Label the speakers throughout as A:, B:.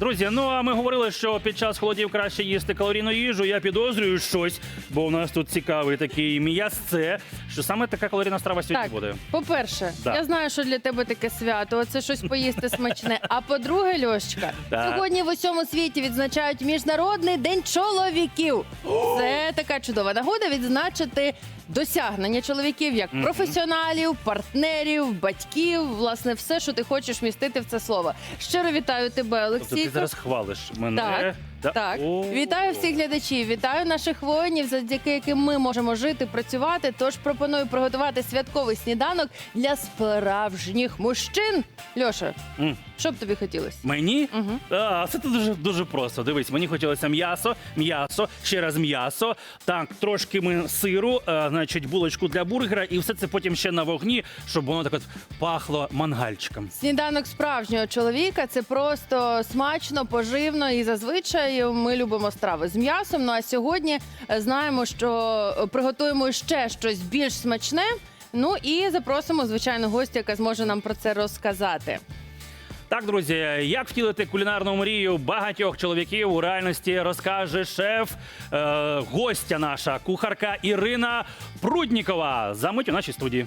A: Друзі, ну а ми говорили, що під час холодів краще їсти калорійну їжу. Я підозрюю щось, бо у нас тут цікавий такий м'ясце, що саме така калорійна страва сьогодні
B: Так,
A: буде.
B: по-перше,
A: Да.
B: я знаю, що для тебе таке свято, оце щось поїсти смачне. А по-друге, Льошечка,
A: Так.
B: сьогодні в усьому світі відзначають Міжнародний день чоловіків. Це така чудова нагода відзначити досягнення чоловіків як професіоналів, партнерів, батьків, власне, все, що ти хочеш вмістити в це слово. Щиро вітаю тебе,
A: Тобто ти
B: Олексійко.
A: зараз хвалиш мене.
B: Так,
A: Да?
B: Так,
A: О.
B: вітаю всіх глядачів, вітаю наших воїнів, завдяки яким ми можемо жити, працювати. Тож пропоную приготувати святковий сніданок для справжніх мужчин. Льоша,
A: М.
B: що б тобі хотілося?
A: Мені?
B: Мгм.
A: Це дуже просто. Дивись, мені хотілося м'ясо, ще раз м'ясо, так, трошки сиру, значить, булочку для бургера, і все це потім ще на вогні, щоб воно так от пахло мангальчиком.
B: Сніданок справжнього чоловіка – це просто смачно, поживно і зазвичай ми любимо страви з м'ясом. Ну а сьогодні знаємо, що приготуємо ще щось більш смачне. Ну і запросимо, звичайно, гостя, яка зможе нам про це розказати.
A: Так, друзі, як втілити кулінарну мрію багатьох чоловіків у реальності розкаже шеф, гостя наша, кухарка Ірина Пруднікова. Замить у нашій студії.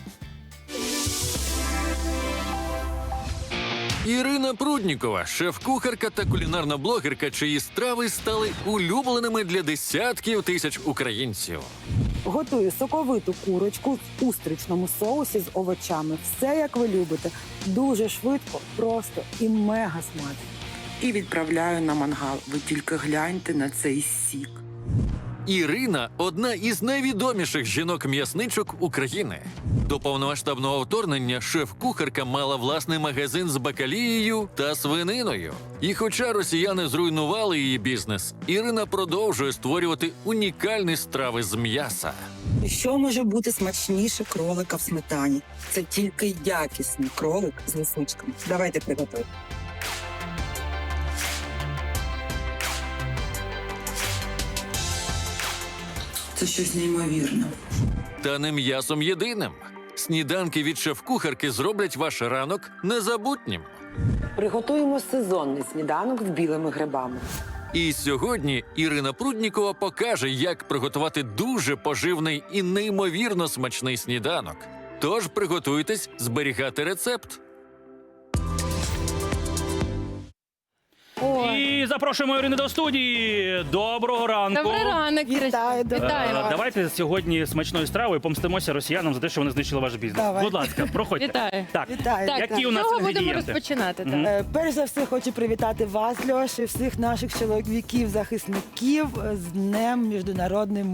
C: Ірина Пруднікова – шеф-кухарка та кулінарна блогерка, чиї страви стали улюбленими для десятків тисяч українців.
D: Готую соковиту курочку в устричному соусі з овочами. Все, як ви любите. Дуже швидко, просто і мега смачно.
E: І відправляю на мангал. Ви тільки гляньте на цей сік.
C: Ірина – одна із найвідоміших жінок-м'ясничок України. До повномасштабного вторгнення шеф-кухарка мала власний магазин з бакалією та свининою. І хоча росіяни зруйнували її бізнес, Ірина продовжує створювати унікальні страви з м'яса.
D: Що може бути смачніше кролика в сметані? Це тільки якісний кролик з лисичками. Давайте приготуємо.
E: Це щось неймовірне.
C: Та не м'ясом єдиним. Сніданки від шеф-кухарки зроблять ваш ранок незабутнім.
D: Приготуємо сезонний сніданок з білими грибами.
C: І сьогодні Ірина Пруднікова покаже, як приготувати дуже поживний і неймовірно смачний сніданок. Тож приготуйтесь зберігати рецепт.
A: І запрошуємо Ірину до студії. Доброго ранку.
B: Добрий ранок,
D: Вітаю, доброго
B: Вітаємо.
D: ранку.
A: Давайте сьогодні смачною стравою помстимося росіянам за те, що вони знищили ваш бізнес.
D: Давай.
A: Будь ласка, проходьте.
B: Вітаю.
A: Так,
D: Вітаю.
B: Так,
A: Які у нас
B: з чого будемо
A: інгредієнти?
B: розпочинати?
A: Мгм.
B: Так?
D: Перш за все хочу привітати вас, Льоша, і всіх наших чоловіків-захисників з Днем Міжнародним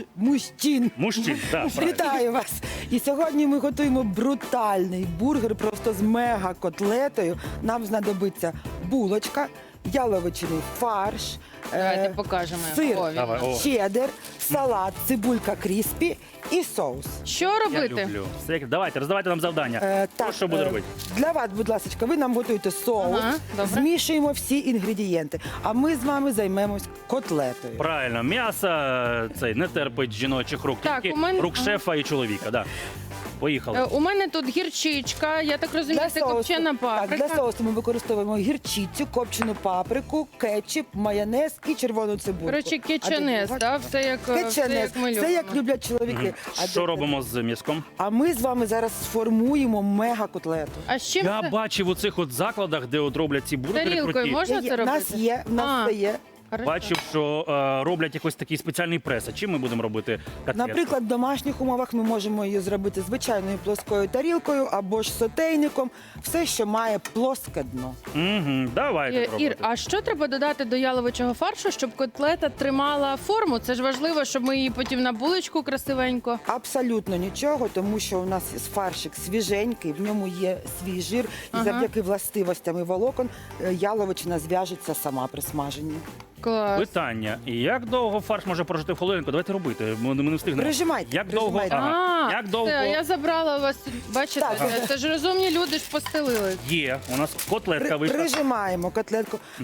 D: мужчин.
A: Мужчин, так. правильно.
D: Вітаю вас! І сьогодні ми готуємо брутальний бургер просто з мега-котлетою. Нам знадобиться булочка, яловичиний фарш,
B: Давайте покажемо.
D: сир,
B: О, він.
A: Давай, о.
D: чеддер, салат, цибулька кріспі і соус.
B: Що
A: Я
B: робити?
A: люблю. Давайте, роздавайте нам завдання. Що буде робити?
D: Для вас, будь ласка, ви нам готуєте соус,
B: Ага, добре.
D: змішуємо всі інгредієнти, а ми з вами займемось котлетою.
A: Правильно, м'ясо цей не терпить жіночих рук,
B: Так,
A: тільки
B: у мене-
A: рук шефа і чоловіка. Да. Поїхали.
B: У мене тут гірчичка, я так розумію, це копчена паприка.
D: Так, для соусу ми використовуємо гірчицю, копчену паприку, кетчуп, майонез і червону цибульку.
B: Коротше, кетченез,
D: А ти-
B: так? Все як ми
D: Кетченез,
B: любимо.
D: все як люблять чоловіки.
A: Що робимо з м'язком?
D: А ми з вами зараз сформуємо мега-котлету.
B: А з чим
A: Я
B: це?
A: бачив у цих от закладах, де от роблять ці бургери
B: Тарілкою
A: круті.
B: можна це
D: У
B: робити?
D: нас є, в нас це є.
B: Хорошо.
A: Бачив, що роблять якийсь такий спеціальний прес. А чим ми будемо робити котлетку?
D: Наприклад, в домашніх умовах ми можемо її зробити звичайною плоскою тарілкою або ж сотейником. Все, що має плоске дно.
A: Давайте
B: Ір,
A: пробувати.
B: а що треба додати до яловичого фаршу, щоб котлета тримала форму? Це ж важливо, щоб ми її потім на булочку красивенько.
D: Абсолютно нічого, тому що у нас фаршик свіженький, в ньому є свій жир, і
B: Ага.
D: завдяки властивостям і волокон яловичина зв'яжеться сама при смаженні.
B: Клас.
A: Питання. І як довго фарш може прожити в холодильнику? Давайте робити. Ми не встигнемо.
D: Прижимайте,
A: Як довго?
D: прижимайте.
A: Ага. Як довго?
B: Все, я забрала у вас. Бачите,
D: Так.
B: це ж розумні люди ж постелили.
A: Є. У нас котлетка вийшла.
D: Прижимаємо котлетку.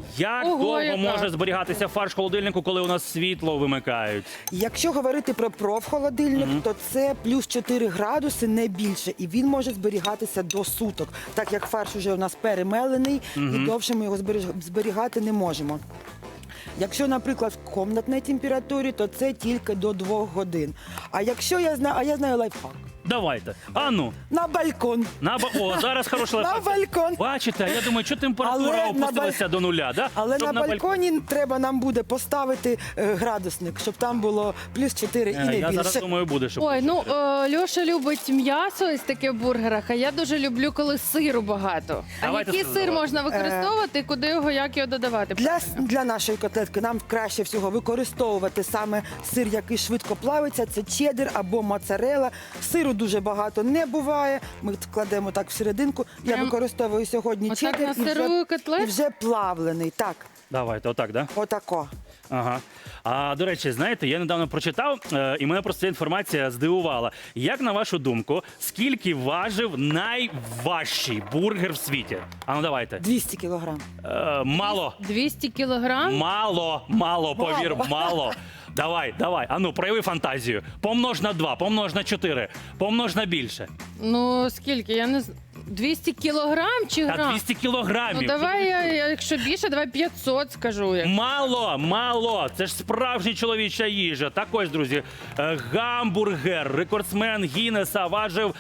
A: Як
B: Ого,
A: довго
B: яка.
A: може зберігатися фарш в холодильнику, коли у нас світло вимикають?
D: Якщо говорити про профхолодильник, то це плюс 4 градуси, не більше. І він може зберігатися до суток, так як фарш вже у нас перемелений, і довше ми його зберігати не можемо. Якщо, наприклад, в комнатній температурі, то це тільки до 2 годин. А якщо я знаю лайфхак.
A: Давайте. А ну,
D: На балкон.
A: О, зараз хороший
D: На
A: лайфхак.
D: балкон.
A: Бачите, я думаю, що температура
D: Але на
A: опустилася до нуля, да?
D: Але
A: Щоб
D: на балконі треба нам буде поставити градусник, щоб там було плюс 4 і не
A: Я зараз
D: більше.
A: думаю, буде, щоб...
B: Ой, ну Льоша любить м'ясо ось таке в бургерах, а я дуже люблю, коли сиру багато.
A: Давайте
B: А який
A: сир
B: сир
A: додавати.
B: можна використовувати, куди його, як його додавати?
D: Для нашої котлетки нам краще всього використовувати саме сир, який швидко плавиться. Це чеддер або моцарелла. Сиру дуже багато не буває. Ми кладемо так всерединку. Я
B: Прям
D: використовую сьогодні
B: отак
D: чеддер
B: на сиру котлетку?
D: і вже плавлений. Так,
A: Давайте, отак, да?
D: отако.
A: Ага. А до речі, знаєте, я недавно прочитав, і мене просто ця інформація здивувала. Як на вашу думку, скільки важив найважчий бургер в світі? А ну давайте.
D: 200 кілограм.
A: Мало.
B: 200 кілограм?
A: Мало, повір, мало. Давай. А ну, прояви фантазію. Помнож на 2, помнож на 4, помнож на більше.
B: Ну, скільки? Я не знаю. 200 кілограм чи
A: Та
B: грам?
A: 200 кілограмів.
B: Ну, давай, якщо більше, давай 500 скажу.
A: Мало. Це ж справжня чоловіча їжа. Так ось, друзі, гамбургер, рекордсмен Гіннеса важив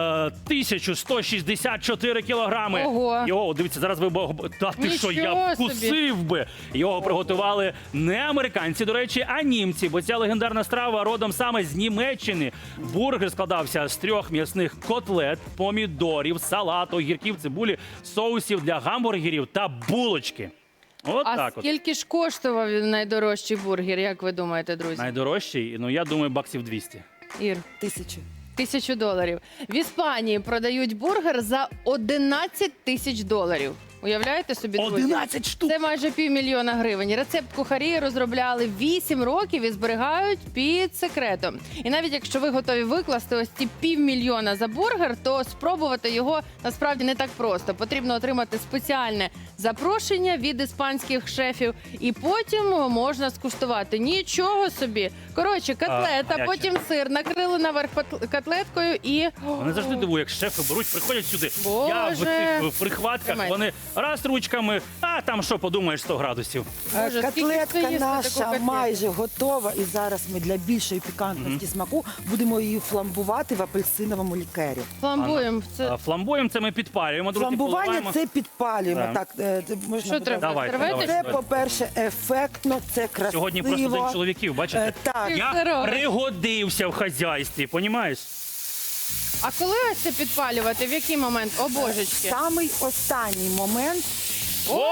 A: 1164 кілограми.
B: Ого.
A: Його, дивіться, зараз ви... Та ти що, я
B: Нічого собі.
A: вкусив би. Його приготували не американці, до речі, а німці, бо ця легендарна страва родом саме з Німеччини. Бургер складався з 3 м'ясних котлет, помідорів, салату, огірків, цибулі, соусів для гамбургерів та булочки. От
B: А
A: так от.
B: скільки ж коштував найдорожчий бургер, як ви думаєте, друзі?
A: Найдорожчий, ну я думаю, баксів 200.
B: Ір,
D: 1000.
B: $1000. В Іспанії продають бургер за 11 тисяч доларів. Уявляєте собі, друзі?
A: 11 штук!
B: Це майже $500,000. Рецепт кухарі розробляли 8 років і зберігають під секретом. І навіть якщо ви готові викласти ось ці $500,000 за бургер, то спробувати його насправді не так просто. Потрібно отримати спеціальне запрошення від іспанських шефів, і потім можна скуштувати. Нічого собі. Коротше, котлета,
A: гаряче.
B: потім сир, накрили наверх котлеткою і...
A: Мене завжди дивує, як шефи беруть, приходять сюди.
B: Боже.
A: Я в цих прихватках,
B: Тримайте.
A: вони раз ручками, а там що, подумаєш, 100 градусів.
B: Боже, скільки
D: Котлетка
B: ви їсте таку
D: наша
B: котлету?
D: майже готова. І зараз ми для більшої пікантності смаку будемо її фламбувати в апельсиновому лікері.
B: Фламбуємо. Це...
A: Фламбоєм це ми підпалюємо, друзі,
D: Фламбування
A: поливаємо.
D: це підпалюємо.
A: Так.
D: Так, це можна
B: Що
D: буде-
B: треба?
A: Давайте,
B: Серветочку?
D: Це,
A: давайте.
D: по-перше, ефектно, це красиво.
A: Сьогодні просто день чоловіків, бачите?
D: Так,
B: Ти
A: Я
B: здорова.
A: пригодився в хазяйстві, понімаєш?
B: А коли ось це підпалювати? В який момент? О, божечки.
D: самий останній момент.
A: О!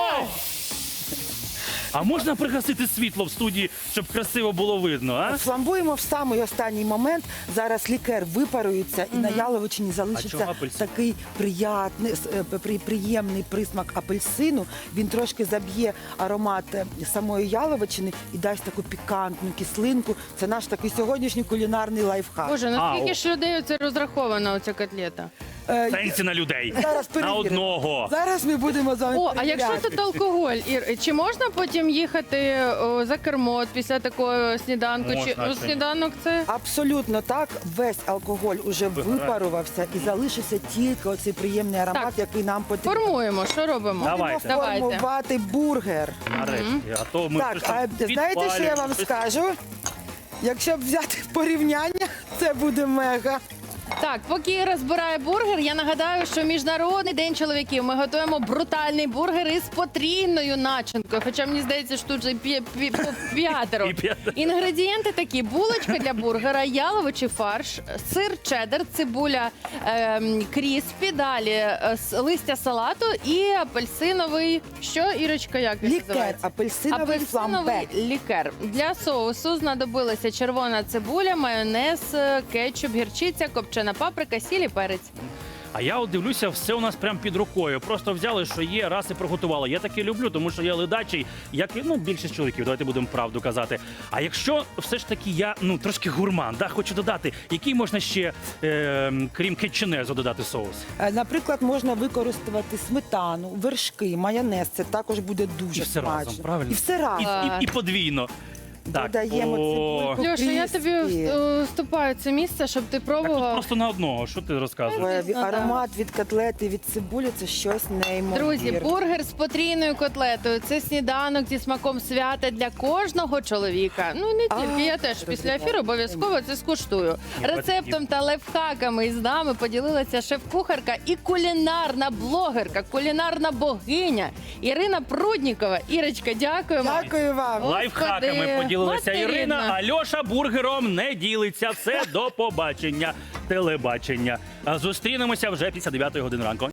A: А можна пригасити світло в студії, щоб красиво було видно, а?
D: Фламбуємо в самий останній момент. Зараз лікер випарується і на яловичині
A: А
D: залишиться
A: чого апельсин?
D: такий приємний присмак апельсину. Він трошки заб'є аромат самої яловичини і дасть таку пікантну кислинку. Це наш такий сьогоднішній кулінарний лайфхак.
B: Боже, наскільки
A: о.
B: ж людей це розрахована оця котлета?
A: Сенсі на людей.
D: Зараз
A: На
D: перевіримо.
A: одного.
D: Зараз ми будемо з вами
B: О, а якщо
D: перевіряти.
B: тут алкоголь, Ір, чи можна потім їхати за кермо після такого сніданку?
A: Можна,
B: Чи
A: чому?
B: сніданок це?
D: Абсолютно так. Весь алкоголь уже випарувався і залишився тільки оцей приємний аромат,
B: Так.
D: який нам потрібен.
B: Формуємо, що робимо?
A: Давайте.
B: Давайте.
D: Формувати бургер.
A: Нарешті. А то ми
D: Так,
A: щось
D: а знаєте, що я вам
A: підпалюємо.
D: скажу? Якщо взяти порівняння, це буде мега.
B: Так, поки Іра розбирає бургер, я нагадаю, що Міжнародний день чоловіків. Ми готуємо брутальний бургер із потрійною начинкою. Хоча мені здається, що тут вже п'ятеро.
A: І п'ятеро.
B: Інгредієнти такі: булочка для бургера, яловичий фарш, сир чеддер, цибуля кріспі, далі листя салату і апельсиновий. Що, Ірочка, як він
D: Лікер,
B: називається?
D: апельсиновий фламбе.
B: Апельсиновий лікер. Для соусу знадобилася червона цибуля, майонез, кетчуп, гірчиця, копчена паприка, сіль і перець.
A: А я от дивлюся, все у нас прям під рукою. Просто взяли, що є, раз і приготували. Я таке люблю, тому що я ледачий, як і більшість чоловіків, давайте будемо правду казати. А якщо все ж таки я трошки гурман, хочу додати, який можна ще, крім кетчунезу, додати соус?
D: Наприклад, можна використати сметану, вершки, майонез. Це також буде
A: І
D: дуже
A: все
D: смачно.
A: разом, правильно?
D: І все разом.
A: І подвійно. Так,
D: Додаємо цибульку.
B: Льоша, я тобі
D: Крісті.
B: вступаю це місце, щоб ти
A: Так тут
B: пробував.
A: просто на одного, що ти розказуєш?
B: Звісно, да.
D: Аромат від котлети, від цибулі – це щось неймовірне.
B: Друзі, бургер з потрійною котлетою. Це сніданок зі смаком свята для кожного чоловіка. Ну не тільки, я теж після ефіру обов'язково це скуштую.
A: Ні,
B: Рецептом та лайфхаками із нами поділилася шеф-кухарка і кулінарна блогерка, кулінарна богиня Ірина Пруднікова. Ірочка, дякуємо.
D: Дякую вам.
A: Лайфхаками
B: Господи,
A: поділилася
B: материна.
A: Ірина, а Льоша бургером не ділиться. Все, до побачення. Телебачення. А зустрінемося вже після 9 години ранку.